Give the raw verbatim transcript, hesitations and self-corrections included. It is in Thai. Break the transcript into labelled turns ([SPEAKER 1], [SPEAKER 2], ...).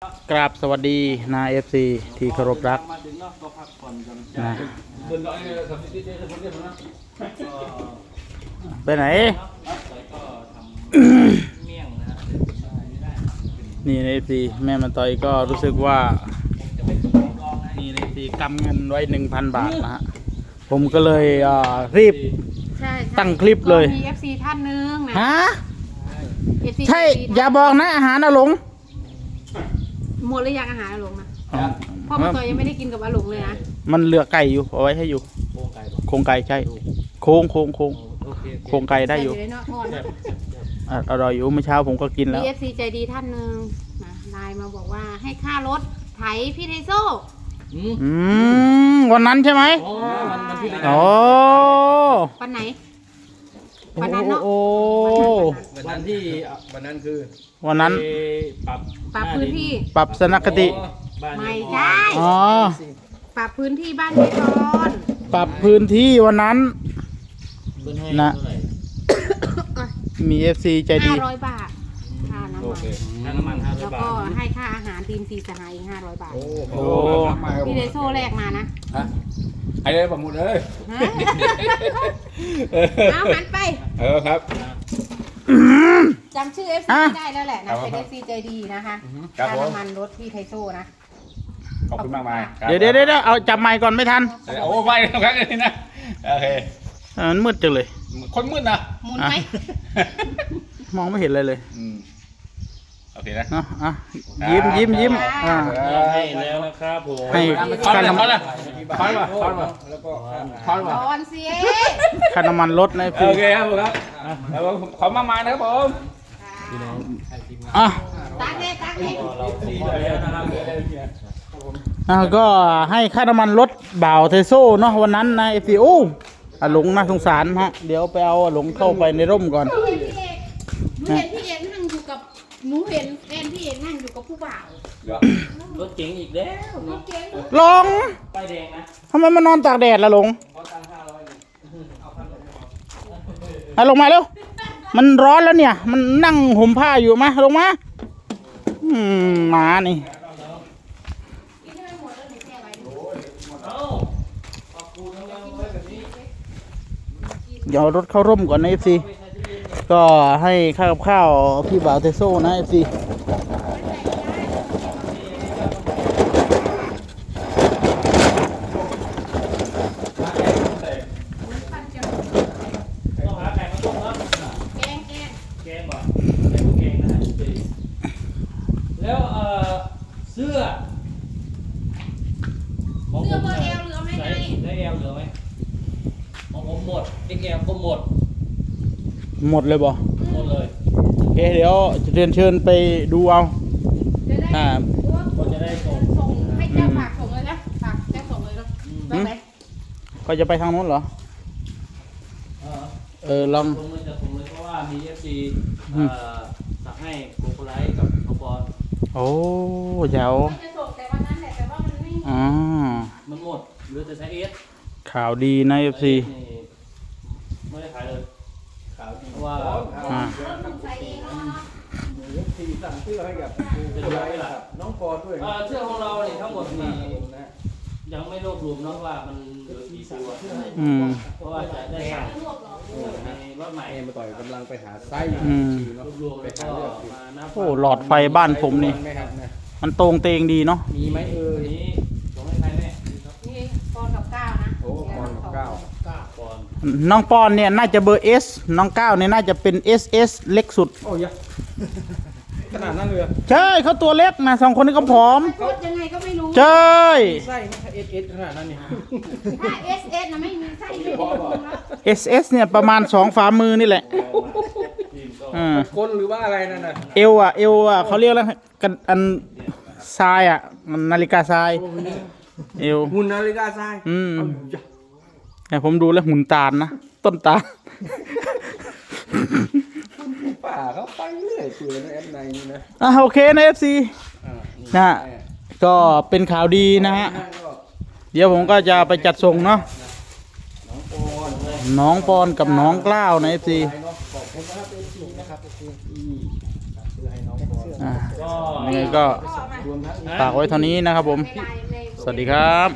[SPEAKER 1] กราบสวัสดีนาเอฟซีที่เคารพรักนะไปไหน นี่ในเอฟซีแม่มาต่อยก็รู้สึกว่านี่ในเอฟซีกำเงินไว้หนึ่งพันบาทนะฮะผมก็เลยรีบตั้งคลิปเลย
[SPEAKER 2] มี เอฟ ซี ท่านนึงนะ
[SPEAKER 1] ฮะ
[SPEAKER 2] เอฟ ซี
[SPEAKER 1] ใช่อย่าบอกนะอาหารอาหลง
[SPEAKER 2] หมดหรือยังอาหารอาหลงนะเพราะมาต่อยยังไม่ได้กินกับอาหลงเลยนะ
[SPEAKER 1] มันเหลือไก่อยู่เอาไว้ให้อยู่โครงไก่ใช่โค้งโค้งโค้งโครงไก่ได้อยู่อร่อยอยู่เมื่อเช้าผมก็กินแล้ว
[SPEAKER 2] มี เอฟ ซี ใจดีท่านนึงนะไลน์มาบอกว่าให้ค่ารถไถพี่ไทโซ่
[SPEAKER 1] อืมวันนั้นใช่ไหมโอ้
[SPEAKER 2] วันไหนวันนั้นเนาะ
[SPEAKER 3] วันนั้นที่วันนั้นคือ
[SPEAKER 1] วันนั้น
[SPEAKER 2] ปรับปรับพื้นที่
[SPEAKER 1] ปรับสนคติ
[SPEAKER 2] ไม่ใช่
[SPEAKER 1] อ๋อ
[SPEAKER 2] ปรับพื้นที่บ้านพี่กร
[SPEAKER 1] ปรับพื้นที่วันนั้นนะมี เอฟ ซี ใจดี
[SPEAKER 2] ห้าร้อยบาทค่าน้ำมัน
[SPEAKER 3] ค่าน้ำมันห้าร้อยบาท
[SPEAKER 2] แล้วก็ให้ค่าอาหารทีมสีสหายอีกห้าร้อยบาท
[SPEAKER 1] โอ้
[SPEAKER 2] พี่ไทโซ่แรกมานะ
[SPEAKER 3] ไอ้เลยผมหมดเลย
[SPEAKER 2] เอาหันไป
[SPEAKER 3] เออครับ
[SPEAKER 2] จำชื่อ เอฟ ซี ได้แล้วแหละนะเป็น เอฟ ซี ใจดีนะคะค่าน้ำมันรถพี่ไทโซ่นะ
[SPEAKER 3] ขอบคุณมากมาย
[SPEAKER 1] เดี๋ยวเดี๋ยวเดี๋ยวเอาจับไมค์ก่อนไม่ทัน
[SPEAKER 3] โอ้ไม่ครับนี่นะโอเค
[SPEAKER 1] มันมืดจังเลย
[SPEAKER 3] คนมืดนะ
[SPEAKER 2] หมุนไหม
[SPEAKER 1] มองไม่เห็นเลยเลย
[SPEAKER 3] โอเคนะ
[SPEAKER 1] อ่ะยิ้มยิ้มยิ้มอ่า
[SPEAKER 3] ให้แล้วนะครับผม
[SPEAKER 1] ให้ค่าน้ำมัน
[SPEAKER 3] คอนมาคอนมาแล้วก็คอนมา
[SPEAKER 2] คอนเสีย
[SPEAKER 1] ค่าน้ำมันลดนะ
[SPEAKER 3] โอเคครับผมครับแล้วขอมากมายนะครับผม
[SPEAKER 1] อ่ะ
[SPEAKER 2] ตักเลยตักเลย
[SPEAKER 1] อ่ะก็ให้ค่าน้ำมันลดบ่าวเทโซ่เนาะวันนั้นนะเอฟซีโอ้อาหลงน่าสงสารฮะเดี๋ยวไปเอาอาหลงเข้าไปในร่มก่อน
[SPEAKER 2] หนูเห็นพี่เอกนั่งอยู่กับหนูเห็นแฟนพี่เอกนั่งอยู่กับผู้บ่าว
[SPEAKER 3] รถเก๋งอีกแล้ว
[SPEAKER 2] รถเก๋ง
[SPEAKER 1] ลง
[SPEAKER 3] ไปแดงนะ
[SPEAKER 1] ทำไมมานอนตากแดดล่ะลงเอาลงมาเร็วมันร้อนแล้วเนี่ยมันนั่งห่มผ้าอยู่มาลงมาอืมมานี่เดี๋ยวรถเข้าร่มก่อนนะเอฟซีก็ให้ข้าวกับข้าวพี่บ่าวเทโซ่นะเอฟซี
[SPEAKER 3] แล้วเอ่อเสื้อ
[SPEAKER 2] เสื้อเบอร์เอลเหลือไหมไง
[SPEAKER 3] ได้เอลเหลือไหมของผมหมดเอ็กเอลก็หมด
[SPEAKER 1] หมดเลยบ่
[SPEAKER 3] หมดเลย
[SPEAKER 1] โอเคเดี๋ยวจะเรียนเชิญไปดูเอา
[SPEAKER 2] อ่าคนจะได้ส่งส่งให้เจ้าฝากส่งเลยนะฝากเจ้าส่งเลยเนาะได้ไหม
[SPEAKER 1] ก็จะไปทางโน้นเหรอเออลอง
[SPEAKER 3] ผมเลยจะผมเลยเพราะว่ามีเอฟซีสั่งให้โกโกไลท์กับน้องบอล
[SPEAKER 1] โอ้เจ้า
[SPEAKER 2] จะส่งแต่วันนั้นแหละแต่ว่ามันไม่
[SPEAKER 1] อ๋อ
[SPEAKER 3] มันหมดเหลือแต่ใช้เอส
[SPEAKER 1] ข่าวดีนะเอฟซี
[SPEAKER 3] ไม่ได้ขายเลยข่าวดีเพราะว่าทีสั่งเสื้อให้กับเป็นไรล่ะน้องปอด้วยเสื้อของเราเนี่ยทั้งหมดนี่ยังไม่รวบรวมเนาะว่ามันเหลือกี่ตัวเพราะว่าจะได้สั่งในรถใหม่มาต่อยกำลังไปหาไส้รวบรวมไปหาเลือก
[SPEAKER 1] โอ้หลอดไฟบ้านผมนี่มันตรงเตงดีเนาะ
[SPEAKER 3] มีไหมเออนี้ส่งให้ใครแม่
[SPEAKER 2] นี่ปอนกับก้าวนะ
[SPEAKER 3] โอ้ปอนกับก้าวก้าวปอน
[SPEAKER 1] น้องปอนเนี่ยน่าจะเบอร์เอสน้องก้าวเนี่ยน่าจะเป็นเอสเอสเล็กสุด
[SPEAKER 3] โอ้ยขนาดนั้นเลย
[SPEAKER 1] ใช่เขาตัวเล็กนะสองคนนี้ก็ผอม
[SPEAKER 2] ยังไงก็ไม่รู้
[SPEAKER 1] ใช่
[SPEAKER 3] ไส้เอสเอสขนาดนั้นนี่
[SPEAKER 2] ถ้าเอสเอสนะไม่มีไส้เลย
[SPEAKER 1] เอสเอสเนี่ยประมาณสองฝ่ามือนี่แหละ
[SPEAKER 3] อ่าก้นหรือว่าอะไรนั่นน่ะ
[SPEAKER 1] เอวอ่ะเอวอ่ะเขาเรียกแล้วกันอันทรายอ่ะนาฬิกาทรายเอว
[SPEAKER 3] หุ่นนาฬิกาทราย
[SPEAKER 1] อืมแต่ผมดูแล้วหุ่นตาลนะต้นตาล
[SPEAKER 3] ป่าเขาไปเรื่อยเปื่อยในแอปในนี่นะ
[SPEAKER 1] อ่ะโอเคนะเอฟซีนะก็เป็นข่าวดีนะฮะเดี๋ยวผมก็จะไปจัดส่งเนาะน้องปอนกับน้องกล้าวนะเอฟซี
[SPEAKER 3] นะครับ
[SPEAKER 1] อ่ายังไงก็ฝากไว้เท่านี้นะครับผม
[SPEAKER 2] ในไลน์ใน
[SPEAKER 1] สวัสดีครับ